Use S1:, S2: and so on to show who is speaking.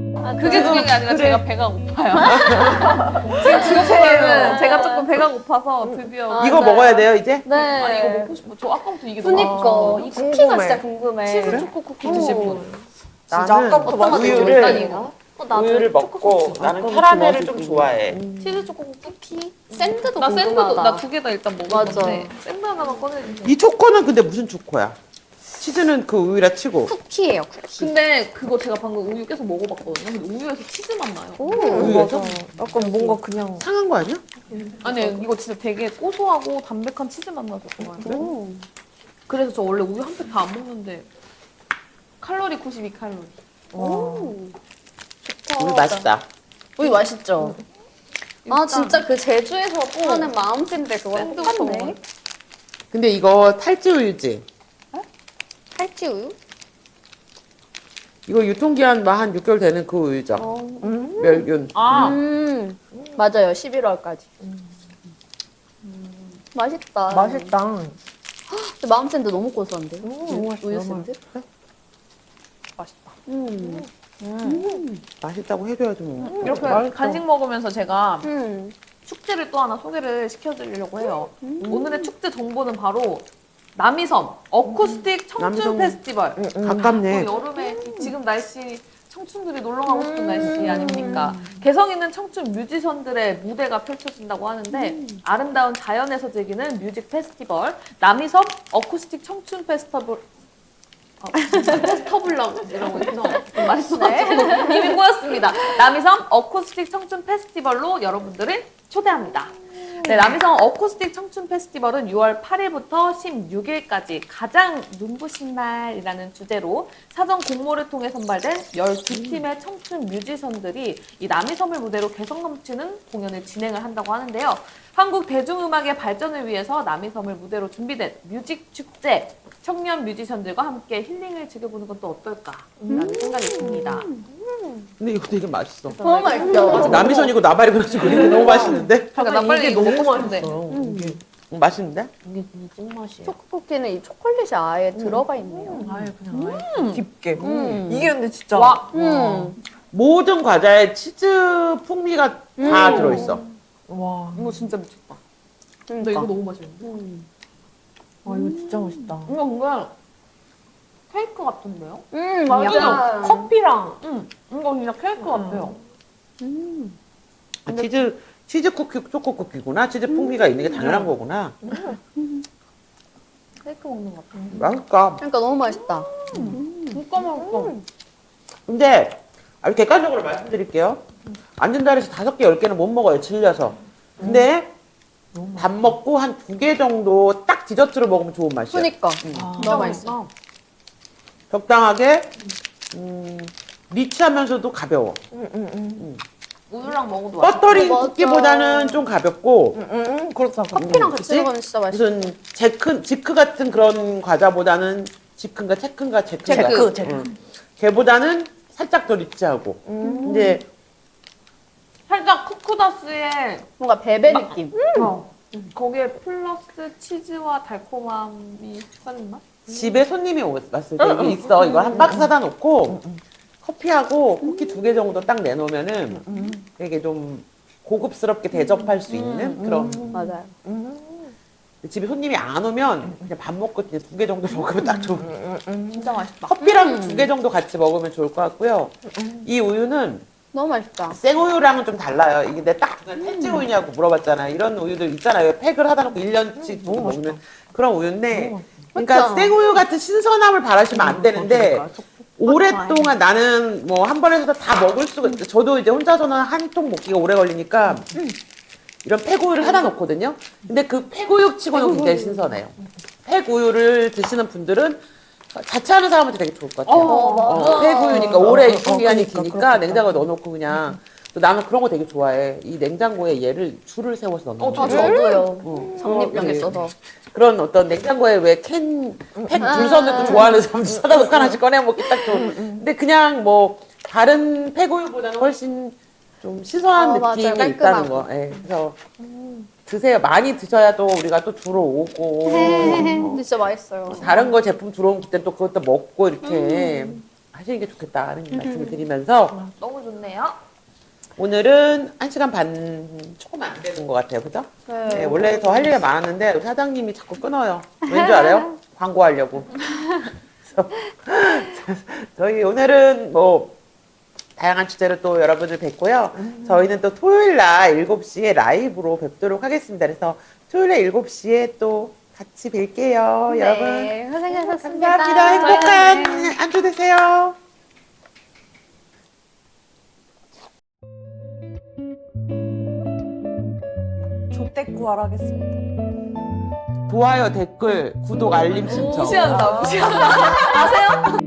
S1: 그게 중요한 게 아니라
S2: 그래.
S1: 제가 배가 고파요. 지금 지금부터는 제가 조금 배가 고파서 드디어
S2: 이거 먹어야 돼요 이제?
S3: 네.
S1: 아니 이거 먹고 싶어. 저 아까부터 이게 너무
S3: 그니까
S1: 맛있어.
S3: 이 쿠키가
S4: 궁금해.
S3: 진짜 궁금해.
S1: 치즈 초코 쿠키 드실 분.
S4: 진짜
S2: 나는
S4: 아까부터
S3: 어떤 맛
S4: 우유를
S3: 일단이가? 나도
S4: 우유를 먹고 나는 캐러멜을 좀 좋아해.
S1: 치즈 초코
S3: 쿠키? 샌드도
S1: 나
S3: 궁금하다.
S1: 샌드도 나 두 개 다 일단 먹을
S3: 맞아.
S1: 건데 샌드 하나만 꺼내주세요.
S2: 이 초코는 근데 무슨 초코야? 치즈는 그 우유라 치고.
S3: 쿠키예요, 쿠키.
S1: 근데 그거 제가 방금 우유 계속 먹어봤거든요. 근데 우유에서 치즈 맛 나요.
S2: 우유에서?
S4: 약간 뭔가 그냥
S2: 상한 거 아니야?
S1: 아니 이거 진짜 되게 고소하고 담백한 치즈 맛 나서 좋아요. 그래서 저 원래 우유 한 팩 다 안 먹는데 칼로리 92칼로리.
S2: 우유 맛있다.
S3: 우유 맛있죠? 아,
S1: 일단
S3: 진짜 그 제주에서 파는 마음샌드 그거랑
S1: 샌드부터
S3: 똑같네.
S1: 먹어요.
S2: 근데 이거 탈지 우유지?
S3: 탈지 우유?
S2: 이거 유통기한 뭐 한 6개월 되는 그 우유죠? 멸균.
S1: 아
S3: 맞아요, 11월까지. 맛있다.
S4: 맛있다.
S3: 근데 마음샌드 너무 고소한데?
S4: 너무 맛있어,
S3: 우유
S4: 너무
S3: 샌드?
S1: 맛있다.
S2: 맛있다고 해줘야지 뭐.
S1: 이렇게
S4: 맛있어.
S1: 간식 먹으면서 제가
S3: 음.
S1: 축제를 또 하나 소개를 시켜드리려고 해요. 오늘의 축제 정보는 바로 남이섬 어쿠스틱 청춘
S2: 남이섬.
S1: 페스티벌.
S2: 가깝네.
S1: 또 여름에 지금 날씨 청춘들이 놀러 가고 싶은 날씨 아닙니까? 개성 있는 청춘 뮤지션들의 무대가 펼쳐진다고 하는데 아름다운 자연에서 즐기는 뮤직 페스티벌 남이섬 어쿠스틱 청춘 페스티벌 페스터블라고 해서 좀 맛있어가지고 이미 꼬였습니다. 남이섬 어쿠스틱 청춘 페스티벌로 여러분들을 초대합니다. 네, 남이섬 어쿠스틱 청춘 페스티벌은 6월 8일부터 16일까지 가장 눈부신 날이라는 주제로 사전 공모를 통해 선발된 12팀의 청춘 뮤지션들이 이 남이섬을 무대로 개성 넘치는 공연을 진행을 한다고 하는데요. 한국 대중음악의 발전을 위해서 남이섬을 무대로 준비된 뮤직 축제, 청년 뮤지션들과 함께 힐링을 즐겨보는 건 또 어떨까라는 생각이 듭니다.
S2: 근데 이거 되게 맛있어.
S3: 너무 맛있죠?
S2: 남이선이고 나발이 그래가지고 이게 너무 맛있는데?
S1: 그러니까 나 빨리 이거 먹고 싶은데.
S2: 맛있는데?
S4: 이게 진짜 찐맛이야.
S3: 초코쿠키는 이 초콜릿이 아예 들어가 있네요.
S1: 아예 그냥
S4: 깊게.
S3: 음.
S4: 이게 근데 진짜
S1: 와.
S2: 모든 과자에 치즈 풍미가 다 들어있어.
S4: 와,
S1: 이거 진짜 미쳤다. 근데
S3: 그러니까.
S1: 이거 너무 맛있는데?
S4: 와 이거 진짜 맛있다.
S1: 이거 뭔가 케이크 같은데요?
S3: 맞아.
S4: 커피랑
S1: 이거 진짜 케이크 같아요.
S2: 치즈 쿠키, 초코 쿠키구나. 치즈 풍미가 있는 게 당연한 거구나.
S1: 케이크 먹는 것 같아.
S2: 맛있다.
S3: 그러니까 너무 맛있다.
S1: 진짜 맛있어.
S2: 근데 아주 객관적으로 말씀드릴게요. 앉은 자리에서 5개, 10개는 못 먹어요. 질려서. 근데 밥 먹고 한 2개 정도 딱 디저트로 먹으면 좋은 맛이에요.
S3: 그러니까.
S1: 진짜
S3: 너무 맛있어.
S2: 적당하게 리치하면서도 가벼워.
S1: 우유랑 먹어도 맛있어.
S2: 버터링
S3: 맞아.
S2: 쿠키보다는 좀 가볍고
S4: 그렇다.
S3: 커피랑 같이
S2: 그치?
S3: 먹으면 진짜 맛있어.
S2: 무슨 지크 같은 그런 과자보다는 지크인가 체크인가 제크인가
S4: 제크.
S2: 걔보다는 살짝 더 리치하고 이제
S1: 살짝 쿠쿠다스의
S3: 뭔가 베베 느낌.
S1: 거기에 플러스 치즈와 달콤함이 섞인 맛?
S2: 집에 손님이 왔을 때 이게 있어. 이거 한 박스 사다 놓고 커피하고 쿠키 2개 정도 딱 내놓으면은 되게 좀 고급스럽게 대접할 수 있는 그런.
S3: 맞아요.
S2: 집에 손님이 안 오면 그냥 밥 먹고 그냥 2개 정도 먹으면 딱 좋은.
S1: 진짜 맛있다.
S2: 커피랑 2개 정도 같이 먹으면 좋을 것 같고요. 이 우유는
S3: 너무 맛있다.
S2: 생우유랑은 좀 달라요. 이게 내가 딱 탈지 우유냐고 물어봤잖아요. 이런 우유들 있잖아요. 팩을 하다 놓고 1년씩 먹는 그런 우유인데. 그러니까
S3: 그쵸?
S2: 생우유 같은 신선함을 바라시면 안 되는데 오랫동안 나는 뭐 한 번에서 다 먹을 수가 있어. 저도 이제 혼자서는 한 통 먹기가 오래 걸리니까 이런 팩우유를 사다 놓거든요. 근데 그 팩우유 치고는 굉장히 신선해요. 팩우유를 드시는 분들은 자취하는 사람한테 되게 좋을 것 같아요.
S3: 맞아.
S2: 폐구유니까 오래 유통기한이
S4: 그러니까,
S2: 기니까
S4: 그렇겠다.
S2: 냉장고에 넣어놓고 그냥 또 나는 그런 거 되게 좋아해. 이 냉장고에 얘를 줄을 세워서 넣는 거.
S3: 저도요. 적립병 있어서.
S2: 그런 어떤 냉장고에 왜 캔, 팩 줄 서는 거 좋아하는 사람들 사다 놓고 하나씩 꺼내 먹기 딱 좋은. 근데 그냥 뭐 다른 폐구유보다는 훨씬 좀 신선한
S3: 맞아요.
S2: 느낌이
S3: 깔끔하고.
S2: 있다는 거. 예, 그래서 드세요. 많이 드셔야 또 우리가 또 들어오고.
S3: 근데 진짜 맛있어요.
S2: 다른 거 제품 들어오면 그때 또 그것도 먹고 이렇게 하시는 게 좋겠다는 말씀을 드리면서
S1: 너무 좋네요.
S2: 오늘은 1시간 반 조금 안 되는 것 같아요. 그죠? 네, 원래 더 할 얘기가 많았는데 사장님이 자꾸 끊어요. 왠지 알아요? 광고하려고. 그래서 저희 오늘은 뭐 다양한 주제로 또 여러분을 뵙고요. 저희는 또 토요일 날 7시에 라이브로 뵙도록 하겠습니다. 그래서 토요일 날 7시에 또 같이 뵐게요. 여러분.
S3: 네, 고생하셨습니다.
S2: 감사합니다. 행복한 안주 되세요.
S4: 조떼구하러 하겠습니다.
S2: 좋아요, 댓글, 구독, 알림 신청.
S1: 무시한다. 아세요?